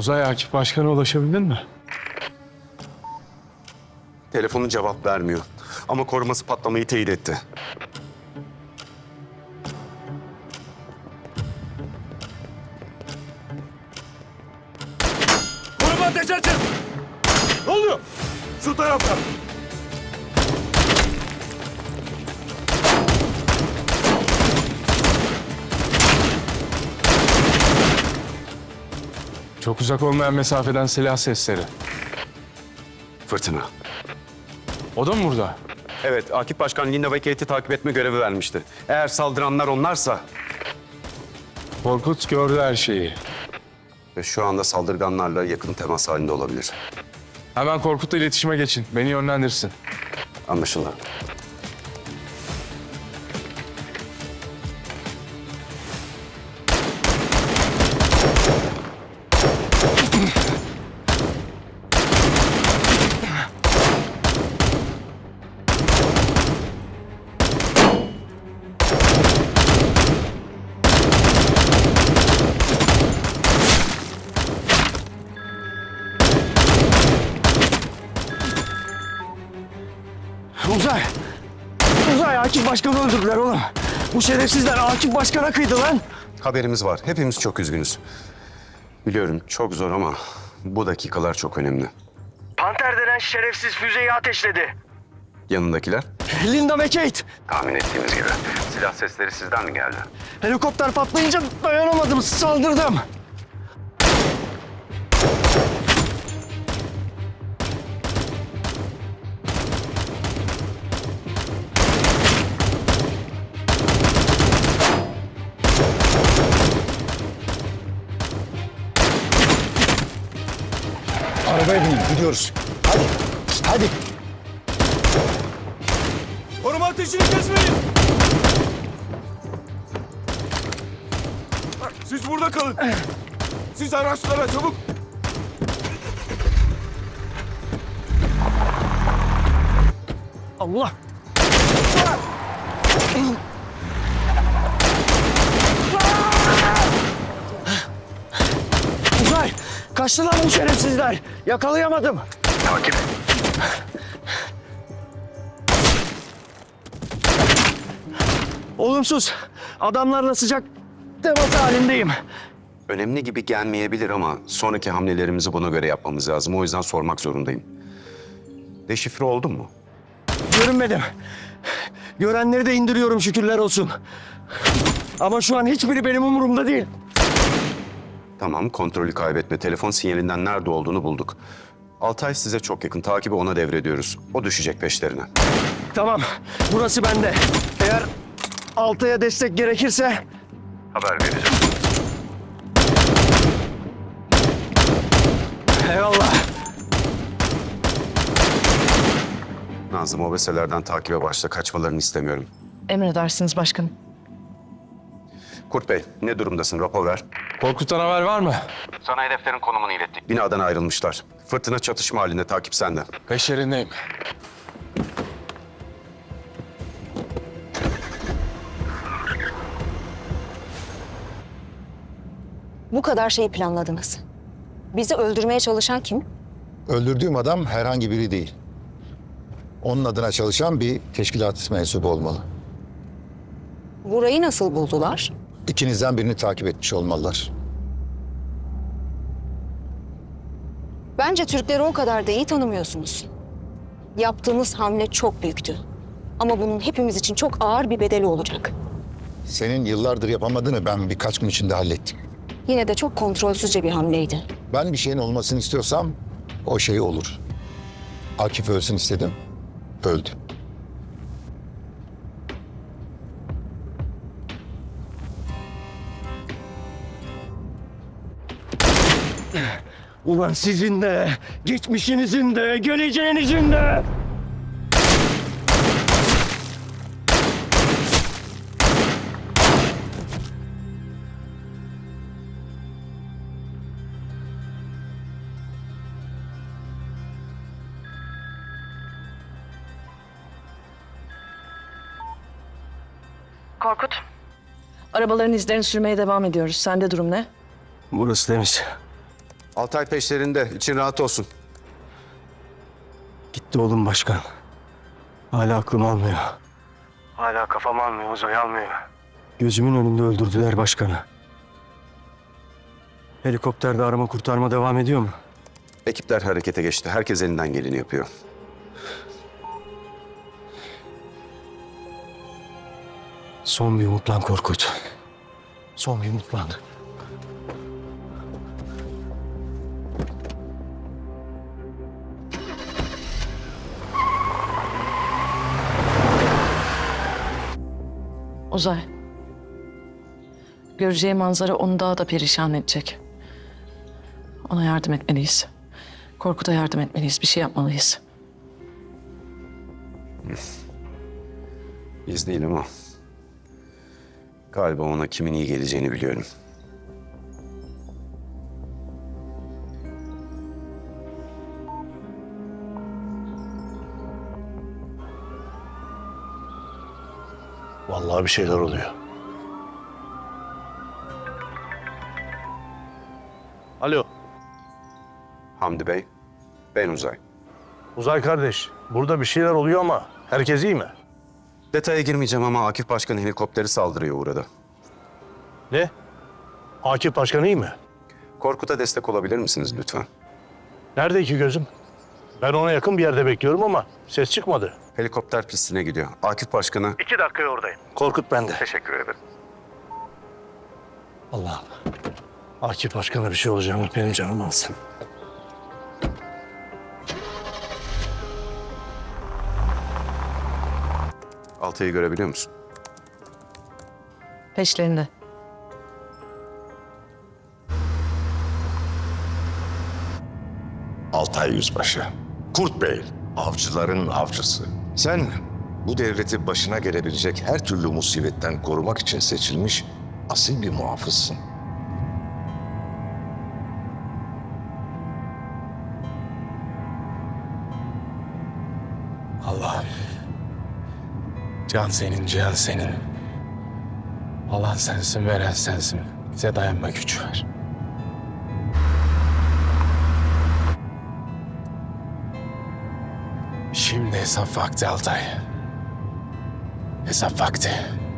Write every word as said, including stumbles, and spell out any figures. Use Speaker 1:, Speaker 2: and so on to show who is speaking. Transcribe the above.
Speaker 1: Uzay Akif Başkan'a ulaşabildin mi?
Speaker 2: Telefonu cevap vermiyor. Ama koruması patlamayı teyit etti.
Speaker 1: Koruma ateş açın! Ne oluyor? Şu tarafta. Çok uzak olmayan mesafeden silah sesleri.
Speaker 2: Fırtına.
Speaker 1: O da mı burada?
Speaker 2: Evet, Akif Başkan Linda ve Kate'i takip etme görevi vermişti. Eğer saldıranlar onlarsa...
Speaker 1: Korkut gördü her şeyi.
Speaker 2: Ve şu anda saldırganlarla yakın temas halinde olabilir.
Speaker 1: Hemen Korkut'la iletişime geçin. Beni yönlendirsin.
Speaker 2: Anlaşıldı.
Speaker 3: Uzay! Uzay, Akif Başkan'ı öldürdüler oğlum. Bu şerefsizler Akif Başkan'a kıydı lan.
Speaker 2: Haberimiz var. Hepimiz çok üzgünüz. Biliyorum çok zor ama bu dakikalar çok önemli.
Speaker 3: Panter denen şerefsiz füzeyi ateşledi.
Speaker 2: Yanındakiler?
Speaker 3: Linda ve Kate.
Speaker 2: Tahmin ettiğimiz gibi. Silah sesleri sizden mi geldi?
Speaker 3: Helikopter patlayınca dayanamadım, saldırdım.
Speaker 4: Arabaya binin, gidiyoruz. Hadi, hadi.
Speaker 1: Koruma ateşini kesmeyin! Siz burada kalın. Siz araçlara çabuk.
Speaker 3: Allah! Uzay! Kaçtılar bu şerefsizler. Yakalayamadım.
Speaker 2: Takip.
Speaker 3: Olumsuz. Adamlarla sıcak temas halindeyim.
Speaker 2: Önemli gibi gelmeyebilir ama sonraki hamlelerimizi buna göre yapmamız lazım. O yüzden sormak zorundayım. Deşifre oldun mu?
Speaker 3: Görünmedim. Görenleri de indiriyorum şükürler olsun. Ama şu an hiçbiri benim umurumda değil.
Speaker 2: Tamam, kontrolü kaybetme. Telefon sinyalinden nerede olduğunu bulduk. Altay size çok yakın. Takibi ona devrediyoruz. O düşecek peşlerine.
Speaker 3: Tamam, burası bende. Eğer Altay'a destek gerekirse...
Speaker 2: Haber vereceğim.
Speaker 3: Eyvallah.
Speaker 2: Nazım, o mesellerden takibe başla. Kaçmalarını istemiyorum.
Speaker 5: Emredersiniz başkanım.
Speaker 2: Kurt Bey, ne durumdasın? Rapor ver.
Speaker 1: Korkut'tan haber var mı?
Speaker 2: Sana hedeflerin konumunu ilettik. Binadan ayrılmışlar. Fırtına çatışma halinde. Takip sende.
Speaker 1: Peşlerindeyim.
Speaker 6: Bu kadar şeyi planladınız. Bizi öldürmeye çalışan kim?
Speaker 4: Öldürdüğüm adam herhangi biri değil. Onun adına çalışan bir teşkilat mensubu olmalı.
Speaker 6: Burayı nasıl buldular?
Speaker 4: İkinizden birini takip etmiş olmalılar.
Speaker 6: Bence Türkleri o kadar da iyi tanımıyorsunuz. Yaptığınız hamle çok büyüktü. Ama bunun hepimiz için çok ağır bir bedeli olacak.
Speaker 4: Senin yıllardır yapamadığını ben birkaç gün içinde hallettim.
Speaker 6: Yine de çok kontrolsüzce bir hamleydi.
Speaker 4: Ben bir şeyin olmasını istiyorsam o şey olur. Akif ölsün istedim, öldü.
Speaker 3: Ulan sizin de, geçmişinizin de, geleceğinizin de.
Speaker 5: Arabaların izlerini sürmeye devam ediyoruz. Sende durum ne?
Speaker 3: Burası temiz.
Speaker 2: Altay peşlerinde. İçin rahat olsun.
Speaker 3: Gitti oğlum başkan. Hala aklım almıyor. Hala kafam almıyor, Uzay almıyor. Gözümün önünde öldürdüler başkanı. Helikopterde arama kurtarma devam ediyor mu?
Speaker 2: Ekipler harekete geçti. Herkes elinden geleni yapıyor.
Speaker 3: Son bir umutlan Korkut. Son bir umutlan.
Speaker 5: Uzay. Göreceği manzara onu daha da perişan edecek. Ona yardım etmeliyiz. Korkut'a yardım etmeliyiz. Bir şey yapmalıyız.
Speaker 2: Biz değil ama galiba ona kimin iyi geleceğini biliyorum.
Speaker 1: Vallahi bir şeyler oluyor. Alo,
Speaker 2: Hamdi Bey, ben Uzay.
Speaker 1: Uzay kardeş. Burada bir şeyler oluyor ama herkes iyi mi?
Speaker 2: Detaya girmeyeceğim ama Akif Başkan helikopteri saldırıya uğradı.
Speaker 1: Ne? Akif Başkan iyi mi?
Speaker 2: Korkut'a destek olabilir misiniz lütfen?
Speaker 1: Nerede iki gözüm? Ben ona yakın bir yerde bekliyorum ama ses çıkmadı.
Speaker 2: Helikopter pistine gidiyor. Akif Başkan'a...
Speaker 1: İki dakikaya oradayım. Korkut bende.
Speaker 2: Teşekkür ederim.
Speaker 1: Allah'ım. Akif Başkan'a bir şey olacağını benim canım alsın.
Speaker 2: Altay'ı görebiliyor musun?
Speaker 5: Peşlerinde.
Speaker 7: Altay Yüzbaşı, Kurt Bey, avcıların avcısı. Sen bu devleti başına gelebilecek her türlü musibetten korumak için seçilmiş asil bir muhafızsın.
Speaker 8: Allah'ım. Can senin, cihan senin. Alan sensin, veren sensin. Bize dayanma gücü ver. Şimdi hesap vakti Altay. Hesap vakti.